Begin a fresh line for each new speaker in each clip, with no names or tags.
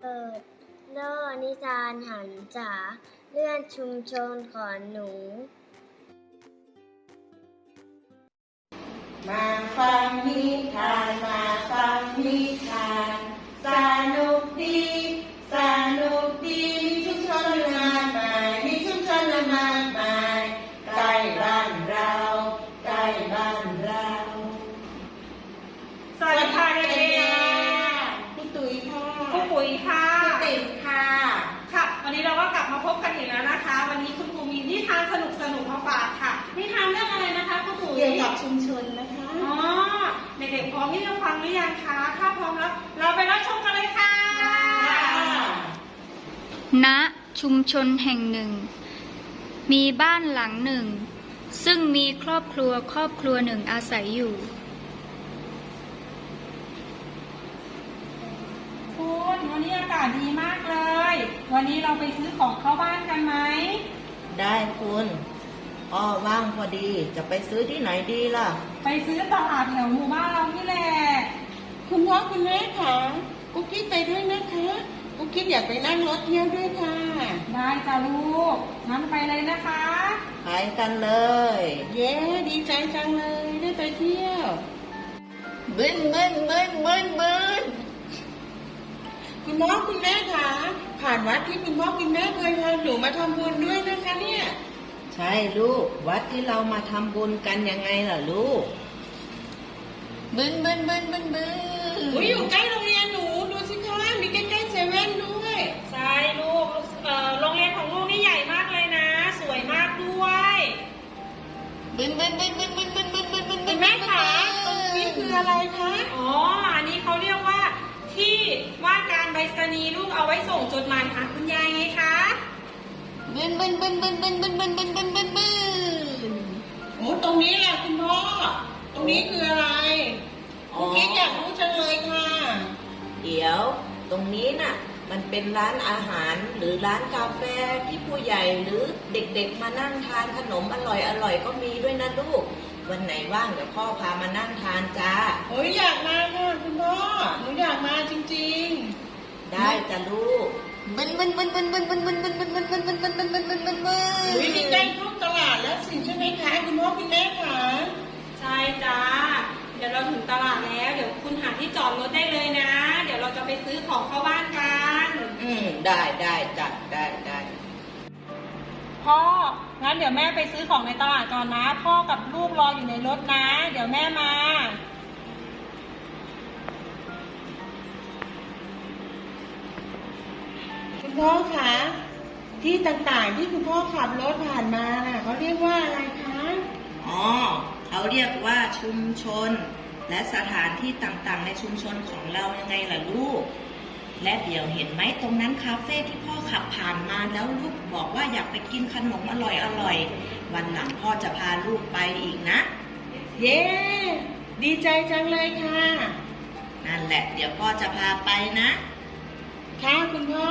เปิดโลกนิทานหันษาเรื่องชุมชนของหนู
มาฟังนิทานมาฟังนิทานสนุกดีสนุกดีมีชุมชนมากมายมีชุมชนมากมายใกล้บ้านเราใกล้บ้านเรา
สวัสดีค่ะเด็ก
ๆพี่ตุ๋ยค่ะ
ๆครูปุ๋ยค่ะ
พี่ติ๋มค่ะ
ค่ะ วันนี้เราก็กลับมาพบกันอีกแล้วนะคะ วันนี้คุณครูมีนิทานสนุกๆมาฝากค่ะนิทานเรื่องอะไรนะคะครูปุ๋ย
เกี่ยวกับชุมชนนะคะ
อ๋อเด็กๆพร้อมที่จะฟังหรือยังคะถ้าพร้อมแล้วเราไปรับชมกันเลยค่ะ
ณชุมชนแห่งหนึ่งมีบ้านหลังหนึ่งซึ่งมีครอบครัวหนึ่งอาศัยอยู่
คุณวันนี้อากาศดีมากเลยวันนี้เราไปซื้อของเข้าบ้านกันไหม
ได้คุณว่างพอดีจะไปซื้อที่ไหนดีล่ะ
ไปซื้อตลาดแถวหมู่บ้านเรานี่แหละ
คุณพ่อคุณแม่ค่ะกุ๊กกิ๊กไปด้วยนะคะกุ๊กกิ๊กอยากไปนั่งรถเที่ยวด้วยค่ะ
ได้จ้ะลูกงั้นไปเลยนะคะ
ไปกันเลยเย้ดีใจจังเลยได้ไปเที่ยวบึ้นคุณพ่อคุณแม่ค่ะผ่านวัดที่คุณพ่อคุณแม่เคยพาหนูมาทำบุญด้วยนะคะเนี่ยใช่ลูกวัดที่เรามาทำบุญกันยังไงล่ะลูกบึ้นอยู่ใกล้โรงเรียนหนูดูสิคะมีใกล้ๆเซเว่นด้วย
ใช่ลูกโรงเรียนของลูกนี่ใหญ่มากเลยนะสวยมากด้วย
บึ้นคุณแม่คะตรงนี้คืออะไรคะ
อ๋ออันนี้เขาเรียกว่าที่ว่าการไปรษณีย์ลูกเอาไว้ส่งจดหมายหาคุณยายไงคะ
บึ้นโอ้ตรงนี้แหละคุณพ่อตรงนี้คืออะไรคุณกิ๊กอยากรู้จังเลยค่ะเดี๋ยวตรงนี้น่ะมันเป็นร้านอาหารหรือร้านกาแฟที่ผู้ใหญ่หรือเด็กๆมานั่งทานขนมอร่อยก็มีด้วยนะลูกวันไหนว่างเดี๋ยวพ่อพามานั่งทานจ้าโอ้ยอยากมาค่ะคุณพ่อหนูอยากมาจริงๆได้จ้ะลูกบึ้นนี่ใกล้เข้าตลาดแล้วสิใช่ไหมคะคุณพ่อคุณแม่คะ
ใช่จ้าเดี๋ยวเราถึงตลาดแล้วเดี๋ยวคุณหาที่จอดรถได้เลยนะเดี๋ยวเราจะไปซื้อของเข้าบ้านกัน
ได้จ้ะได้
พ่องั้นเดี๋ยวแม่ไปซื้อของในตลาดก่อนนะพ่อกับลูกรออยู่ในรถนะเดี๋ยวแม่มา
คุณพ่อคะที่ต่างๆที่คุณพ่อขับรถผ่านมาน่ะเขาเรียกว่าอะไรคะเขาเรียกว่าชุมชนและสถานที่ต่างๆในชุมชนของเรายังไงล่ะลูกและเดี๋ยวเห็นไหมตรงนั้นคาเฟ่ที่พ่อขับผ่านมาแล้วลูกบอกว่าอยากไปกินขนมอร่อยวันหลังพ่อจะพาลูกไปอีกนะเย้ดีใจจังเลยค่ะนั่นแหละเดี๋ยวพ่อจะพาไปนะค่ะคุณพ่อ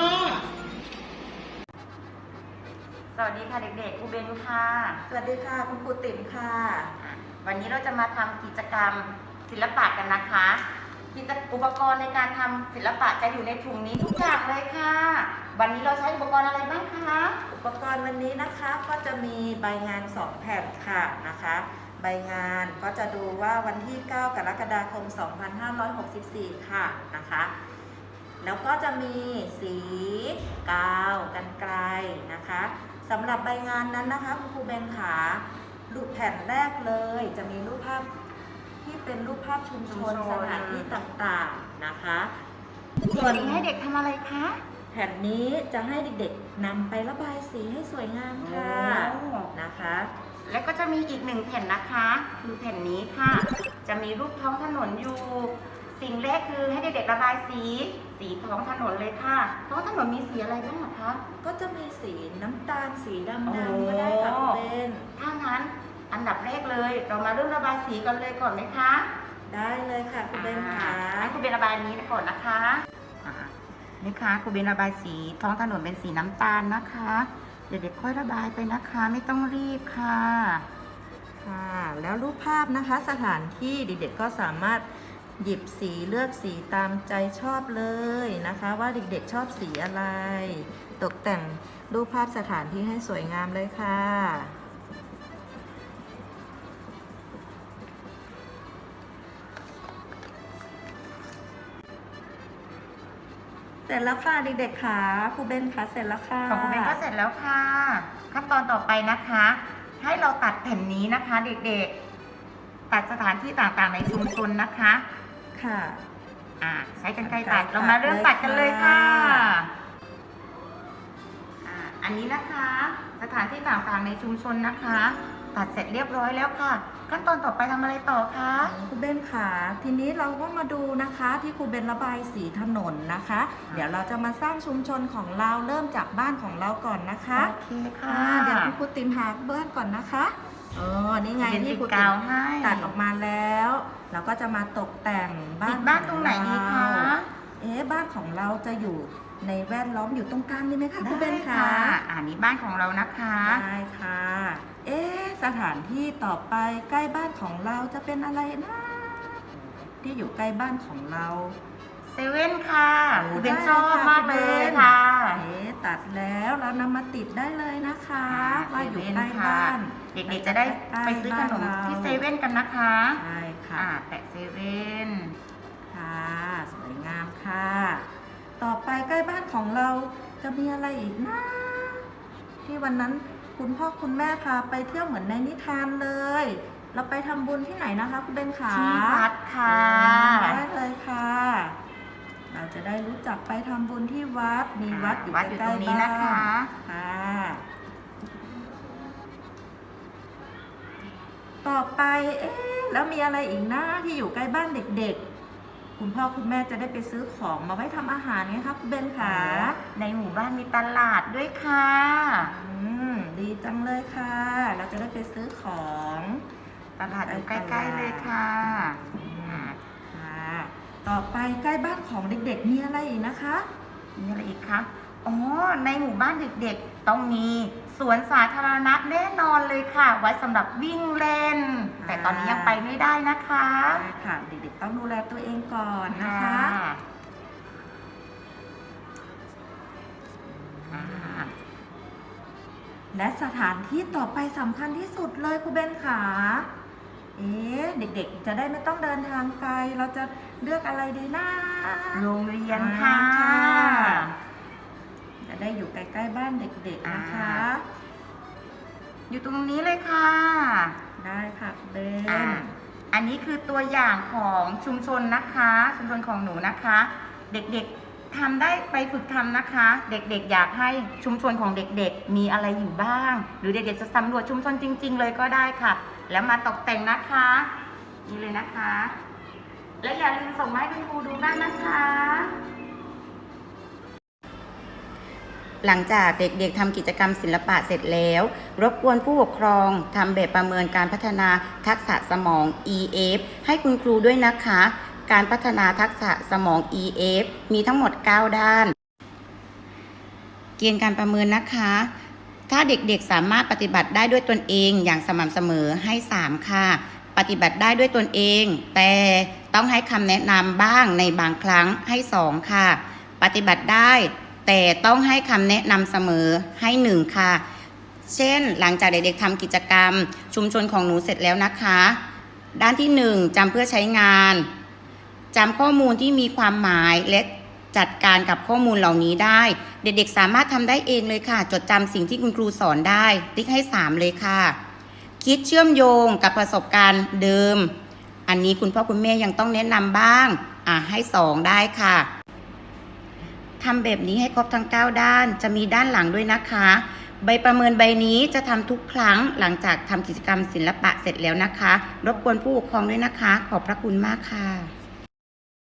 สวัสดีค่ะเด็กๆครูเบนค่ะ
สวัสดีค่ะคุณครูติ๋มค่ะ
วันนี้เราจะมาทำกิจกรรมศิลปะกันนะคะอุปกรณ์ในการทำศิลปะจะอยู่ในถุงนี้ทุกอย่างเลยค่ะวันนี้เราใช้อุปกรณ์อะไรบ้างคะ
อุปกรณ์วันนี้นะคะก็จะมีใบงาน2แผ่นค่ะนะคะใบงานก็จะดูว่าวันที่9 กรกฎาคม 2564ค่ะนะคะแล้วก็จะมีสีกาวกรรไกรนะคะสำหรับใบงานนั้นนะคะคุณครูเบนขารูปแผ่นแรกเลยจะมีรูปภาพที่เป็นรูปภาพชุมชนสถานที่ต่างๆนะคะ
ส่วนให้เด็กทำอะไรคะ
แผ่นนี้จะให้เด็กๆนำไประบายสีให้สวยงามค่ะนะคะ
แล้วก็จะมีอีก1แผ่นนะคะคือแผ่นนี้ค่ะจะมีรูปท้องถนนอยู่สิ่งแรกคือให้เด็กๆระบายสีท้องถนนเลยค่ะท้องถนนมีสีอะไรบ้างคะ
ก็จะมีสีน้ำตาลสีดำก็ได้ค่ะเป็น
ถ้างั้นอันดับแรกเลยเรามาเริ่มระบายสีกันเลยก่อนไหมคะ
ได้เลยค่ะคุณเบนค่ะ
คุณเบนระบายนี้ก่อนนะคะนี่ค่ะคุณเบนระบายสีท้องถนนเป็นสีน้ำตาลนะคะเด็กๆค่อยระบายไปนะคะไม่ต้องรีบค่ะ
แล้วรูปภาพนะคะสถานที่เด็กๆก็สามารถหยิบสีเลือกสีตามใจชอบเลยนะคะว่าเด็กๆชอบสีอะไร ตกแต่งรูปภาพสถานที่ให้สวยงามเลยค่ะเสร็จแล้วค่ะเด็กๆค่ะครูเบนค่ะเสร็จแล้วค่ะ
ของคุณเบนก็เสร็จแล้วค่ะขั้นตอนต่อไปนะคะ ให้เราตัดแผ่นนี้นะคะเด็กๆตัดสถานที่ต่างๆในชุมชนนะคะ
ค่ะ
ใช้กรรไกรตัดเรามาเริ่มตัดกันเลยค่ะอันนี้นะคะสถานที่ต่างๆในชุมชนนะคะ ตัดเสร็จเรียบร้อยแล้วค่ะขั้นตอนต่อไปทำอะไรต่อคะ
ครูเบนค่ะทีนี้เราก็มาดูนะคะที่ครูเบนระบายสีถนนนะคะเดี๋ยวเราจะมาสร้างชุมชนของเราเริ่มจากบ้านของเราก่อนนะคะ
โอเคค่ะ
เดี๋ยวคุณครูติมหาบ้านก่อนนะคะนี่ไงที่ครูติมตัดออกมาแล้วเราก็จะมาตกแต่ง
บ้านตรงไหนดีคะ
บ้านของเราจะอยู่ในแวดล้อมอยู่ตรงกลางนี่ไหมคะครูเบนค่ะ
นี่บ้านของเรานะคะ
ได้ค่ะสถานที่ต่อไปใกล้บ้านของเราจะเป็นอะไรนะที่อยู่ใกล้บ้านของเรา
เซเว่นค่ะเป็นชอบมากเลยค่ะ
ตัดแล้วเรานำมาติดได้เลยนะคะว่าอยู่ใกล้บ้าน
เด็กๆจะได้ไปซื้อขนมที่เซเว่นกันนะคะ
ใช่ค่ะ
แปะเซเว่น
ค่ะสวยงามค่ะต่อไปใกล้บ้านของเราจะมีอะไรอีกนะที่วันนั้นคุณพ่อคุณแม่พาไปเที่ยวเหมือนในนิทานเลยเราไปทำบุญที่ไหนนะคะคุณเบนขา
ที่วัดค่ะ
ได้เลยค่ะเราจะได้รู้จักไปทำบุญที่วัดมีวัดอยู่ใกล้ๆนี้นะคะค่ะต่อไปแล้วมีอะไรอีกนะที่อยู่ใกล้บ้านเด็กๆคุณพ่อคุณแม่จะได้ไปซื้อของมาไว้ทำอาหารไงคะคุณเบนขา
ในหมู่บ้านมีตลาดด้วยค่ะ
ดีจังเลยค่ะเราจะได้ไปซื้อของ
ตลาดอยู่ใกล้ๆเลยค่ะ
ต่อไปใกล้บ้านของเด็กๆมีอะไรอีกนะคะ
มีอะไรอีกคะในหมู่บ้านเด็กๆต้องมีสวนสาธารณะแน่นอนเลยค่ะไว้สำหรับวิ่งเล่นแต่ตอนนี้ยังไปไม่ได้นะคะ
ค่ะเด็กๆต้องดูแลตัวเองก่อนนะคะและสถานที่ต่อไปสำคัญที่สุดเลยครูเบนขาเด็กๆจะได้ไม่ต้องเดินทางไกลเราจะเลือกอะไรดีนะ
โรงเรียนค่ะ
จะได้อยู่ใกล้ๆบ้านเด็กๆนะคะ
อยู่ตรงนี้เลยค่ะ
ได้ค่ะเบน
อันนี้คือตัวอย่างของชุมชนนะคะชุมชนของหนูนะคะเด็กๆทำได้ไปฝึกทำนะคะเด็กๆอยากให้ชุมชนของเด็กๆมีอะไรอยู่บ้างหรือเด็กๆจะสำรวจชุมชนจริงๆเลยก็ได้ค่ะแล้วมาตกแต่งนะคะนี่เลยนะคะและอย่าลืมส่งมาให้คุณครูดูบ้างนะคะหลังจากเด็กๆทำกิจกรรมศิลปะเสร็จแล้วรบกวนผู้ปกครองทำแบบประเมินการพัฒนาทักษะสมอง EF ให้คุณครูด้วยนะคะการพัฒนาทักษะสมอง EF มีทั้งหมด9ด้านเกณฑ์การประเมินนะคะถ้าเด็กๆสามารถปฏิบัติได้ด้วยตนเองอย่างสม่ำเสมอให้3ค่ะปฏิบัติได้ด้วยตนเองแต่ต้องให้คำแนะนำบ้างในบางครั้งให้2ค่ะปฏิบัติได้แต่ต้องให้คำแนะนำเสมอให้1ค่ะเช่นหลังจากเด็กๆทำกิจกรรมชุมชนของหนูเสร็จแล้วนะคะด้านที่1จำเพื่อใช้งานจำข้อมูลที่มีความหมายและจัดการกับข้อมูลเหล่านี้ได้เด็กๆสามารถทำได้เองเลยค่ะจดจำสิ่งที่คุณครูสอนได้ติ๊กให้3เลยค่ะคิดเชื่อมโยงกับประสบการณ์เดิมอันนี้คุณพ่อคุณแม่ยังต้องแนะนำบ้างให้2ได้ค่ะทำแบบนี้ให้ครบทั้ง9ด้านจะมีด้านหลังด้วยนะคะใบประเมินใบนี้จะทำทุกครั้งหลังจากทำกิจกรรมศิลปะเสร็จแล้วนะคะรบกวนผู้ปกครองด้วยนะคะขอบพระคุณมากค่ะ